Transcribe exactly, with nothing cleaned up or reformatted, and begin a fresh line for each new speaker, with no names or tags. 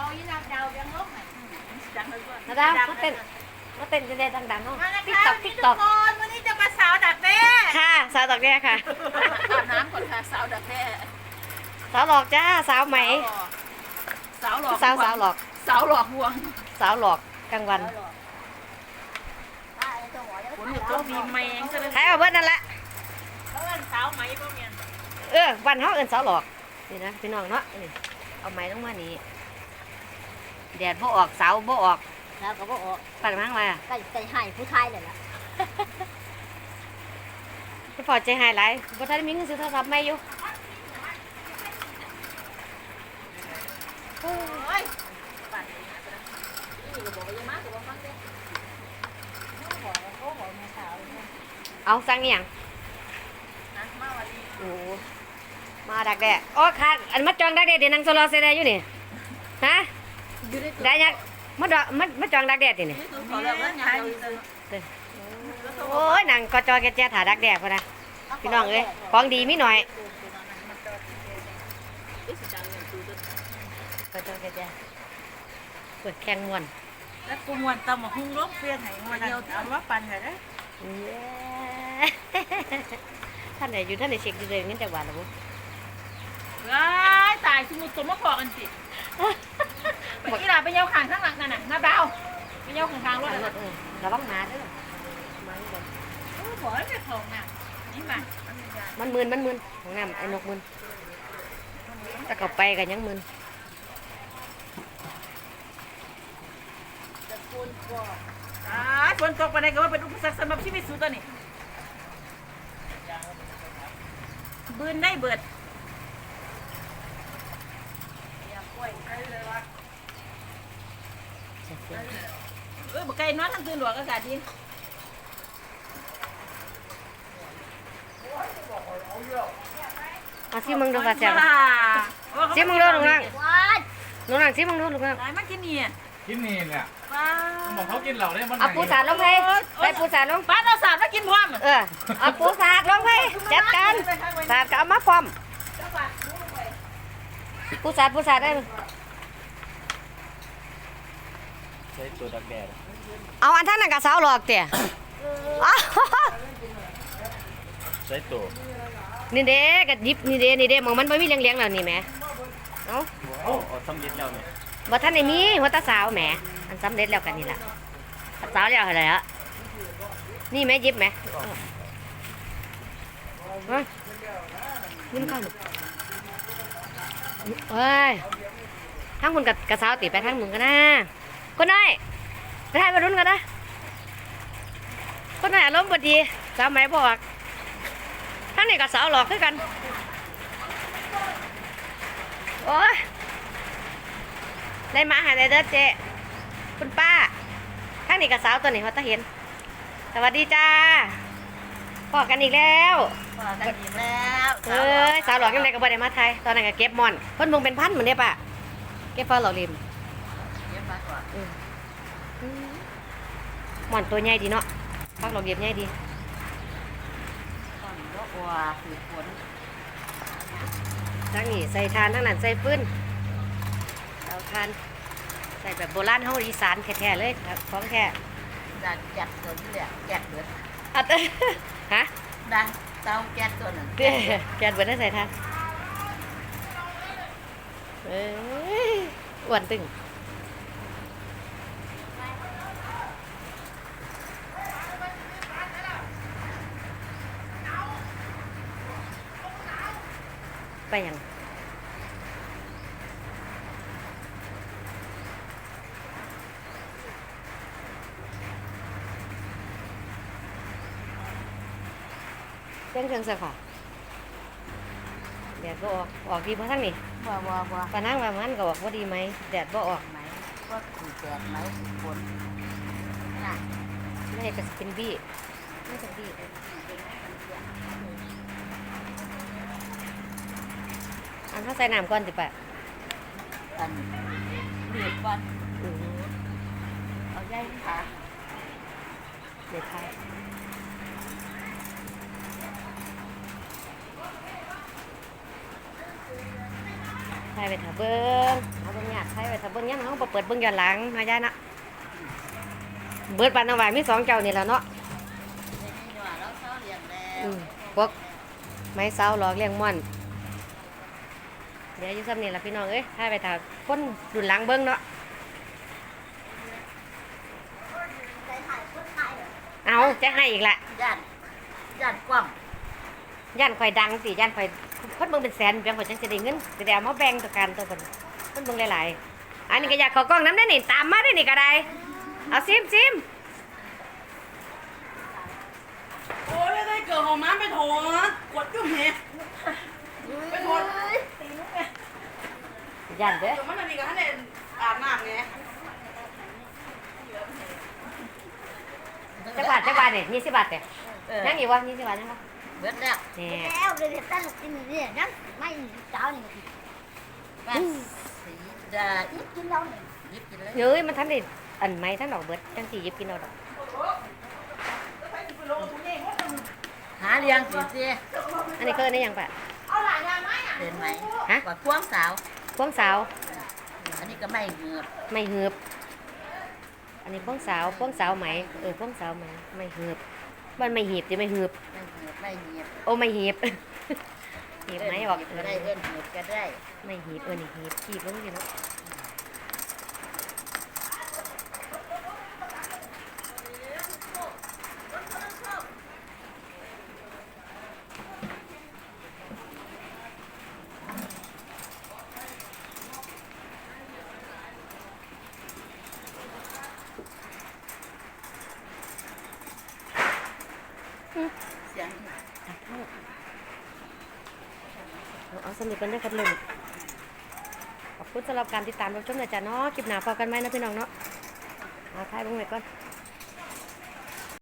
ยี่นาดาวยังลบไหน
นาดาวมาเต้นมาเต้นจะได้ดังๆเนาะ
มานะ
ติ๊ก
คะ
ตอก
พี่
ติ๊ก
ทุ
ตอก ก
คนวันนี้จะมาสาวดักแด้
ค่ะสาวตอกแด้ค่ะ
อาบน้ำก่อนค่ะสาวดักแด้
สาวหลอกจ้าสาวไหม
สาวหลอก
สาวสาวหลอก
สาวหลอกห่วง
สาวหลอกกลางวัน
ฝนหยุดก็มีแมงซะเลย
ใครเอาเบิดนั่นแหละ
เขาเอิ้นสาวไหมพวกเมียน
เออวันเขาเอินสาวหลอกนี่นะพี่น้องเนาะนี่เอาไม้ลงมานี่แดดบ่ออกสาวบ่ออก
แล้วก็บอก
ปั่นมั้งมา
ก็ใจหายผู้ชายเลยล่ะ
พี่พอใจหายหลายบ่ทันมีเงินซื้อโทรศัพท์ใหม่อยู่
โอ้ย
นี่ก็บอกว่าอย่ามาก็บอกฟังเด้น้องบอกว่าเขาบอกแม่สาวเนี่ย
เอาสั่งอหย่าง
นะมาวันนี้
โอ้มาดักแด้โอ้ค่ะอันมาจองดักแด้เดี๋ยวนั่งโซลอเซได้อยู่นี่ฮะ
อยู่ใน
ได้ยังมาดอกมามาจองดักแด้ตินี่
นี่คือขอแล้วว่าไง
โอ้ยนั่งก็จอแกแจถาดักแด้พุ่นน่ะพี่น้องเอ้ยของดีมีหน่อยก็จอแกแจเปิดแข่งม่วน
แล้วกูมวนตำมาหุ้งลบเปลี่ยนให้มวนเดียวเอาว่าปันกันนะ
เย้ ท่านไหนอยู่ท่านไหนเช็คดูเลยงั้นจังหวัดละบุ
ว้ายตายสมุดสมมติพอกันสิไปอีหล่าไปเย้าขางข้างหลังนั่นน่ะน้าดาวไปเย้าขางข้างรถ
ร
เลย
ถเออระวังหมาเด้อมาเด้อ
โอ้บอกให้ไปของน่ะนี่มา
มันมึนมันมึนของน้ำไอ้นกมึนถ้าเขาไปกันยังมึน
อ่าฝนตกไปไหนก็ว่าเป็นอุปสรรคสำหรับชีวิตสูตัวนี้บืนได้เบิดเออบอกไก่นอนทั้งคืนหลวงอากาศดี
เอาซิมึงดูค่ะแซ่บ
ว้า
ซิมึงดูลุงนั่ง
ว้าย
ลุงนั่งซิมึงดูลุงนั่ง
ไหนมันกินนี่อ่ะ
กินนี่เนี่ย
ว้า
บอกเขากินเหล่าได้มัน
เอาปูสาดลงไปใส่ปูสาดลง
ป้าเราสาดแล้วกินพร้อม
เออเอาปูสาดลงไปจัดการสาดก็เอามาพร้อมปูสาดปูสาดได้เลย
ใช้ตัวดักแดด
เอาอันท่านนั่นกับสาวหลอกเตี่ยอ้าว
ใช้ตัว
นี่เด้กับยิบนี่เด้นี่เด้มองมันไม่มีเลี้ยงๆแล้วนี่แหมเอา
เอาเอาสำลิดแล้วเนี่ย
บ่ท่านได้มีหัวตาสาวแหมอันสำเร็จแล้วกันนี่ล่ะสาวแล้วอะไรอะนี่แม่ยิบแหมเฮ้ยยิ้มเข้าเฮ้ยทั้งคุณกับกับสาวติไปทั้งมึงกันนะคนน้อยไปทายมารุ่นกันนะคนน้อยอารมณ์บ่ดีสาวไหมบอกทั้งนี้กับสาวหลอกคือกันโอ้ยได้มาหาได้เด้อเจ๊คุณป้าทั้งนี้กับสาวตัวนี้เขาตาเห็นสวัสดีจ้าพอกันอีกแล้ว
พอกันอีกแล้ว
เอ้ยสาวหลอกยังไงก็บ่ได้มาไทยตอนนั้นก็เก็บมอนเพิ่นเบิ่งเป็นพันเหมือนเด้ป่ะเก็บฟ้าหลอกริม
เยี่ยมมากกว่า
อืมอืมมอนตัวใหญ่ดีเนาะฟ้าหลอกริมใหญ่ดี
ตอนนี้ก็กลัวคือฝน
ทั้งนี้ใส่ทานทั้งนั้นใส่ปืนเอาทานใส่แบบโบราณเฮาอีสานแท้ๆเลยครับของแท้
ดันแก๊สตัวนี้แหละแก๊สเบิด
อัดเอ้ยฮะ
ดันเตาแก๊สตัวนั้น
เด้แกนเบิดได้ใส่ทานเอ้ยอ้วนตึงไปยังเต้นเครื่องเสียค่ะแดดบ่ออกออกดีมาทั้งนี้
ว่าว่าว่า
ปานั่งว่ามันก็บอกว่าดีไหมแดดบ่ออก
ไหมว่าคือแก๊สไหมฝนน่ะ
ไม่ใช่กระสเป็นบี้ไม่ใช่บี้อันถ้าใส่น้ำก่อนสิปะ
อันเดือดวัน
อือ
เอาใยขา
เด็ดไทยไทยไปถาเบิ้งเอาตรงเนี้ยใช้ไว้ถ้าเบิ่งยังเขาบ่เปิดเบิ่งย้อนหลังนะยายนะเบิดปานน้ำหวานมีสองเจ้านี่แหละเนาะ
นี่ว่าเราเศร้าเลี้ยงแล้ว
อืมพวกไม้เสาหลอกเลี้ยงม่อนเดี๋ยวอยู่ซ้ำนี่ล่ะพี่น้องเอ้ยถ้าไปถ้าคนดุนหลังเบิ่งเนาะเอาจะให้อีกละ
ย่านย่านกว้าง
ย่านข่อยดังสิย่านข่อยคนเบิ่งเป็นแสนเพียงข่อยจังจะได้เงินจะได้เอามาแบ่งต่อกันตัวเพิ่นคนเบิ่งหลายๆอันนี้ก็อยากเข้ากล้องน้ำได้นี่ตามมาได้นี่ก็ได้เอาซิมซิม
โอ้ยได้เกิดของน้ำไปโถกดจุ่มเหไปโถ
ย่านเด้อ
เดี๋ยวมันจะมีกับท่านเด่นอาบน้ำไง
จักบาทจักบาทเนี่ยยี่สิบบาทเนี่ย
เออ
ยังอีกวะยี่สิบบาทยังวะ
เบิดแล้ว
เนี่ย
แล้วเลยตั้งกินนี่นั่นไม่เจ้านี่บ้านสีดายิบกินแล้วนี่ยิบกินเลย
เฮ้ยมันทันได้อันไหมท่านดอกเบิดจังสี่ยิบกินเอาดอก
หาเลี้ยงสิสิ
อันนี้ก็ได้ยังปะ
เห็นไหม
ฮะ
กว่าควงสาว
พวงสาว
อันนี้ก็ไม่เหงือบ
ไม่หืบอันนี้พวงสาวพวงสาวไหมเออพวงสาวไหมไม่หืบมันไม่หีบจะไม่หืบ
ไม่เหงือบไม่เหงียบ
โอ้ไม่หีบ หีบไหมออก
เก็ได้เอิ้นเหงือบก็ได้
ไม่หีบเออนี่หีบหีบแล้วนี่เนาะ
เสียง
เอาเอาสนิทกันด้วยกันเลยขอบคุณสำหรับการติดตามรับชมนะจ๊ะเนาะคลิปหน้าพอกันไหมนะพี่น้องเนาะเอาท้ายลงไปก่อน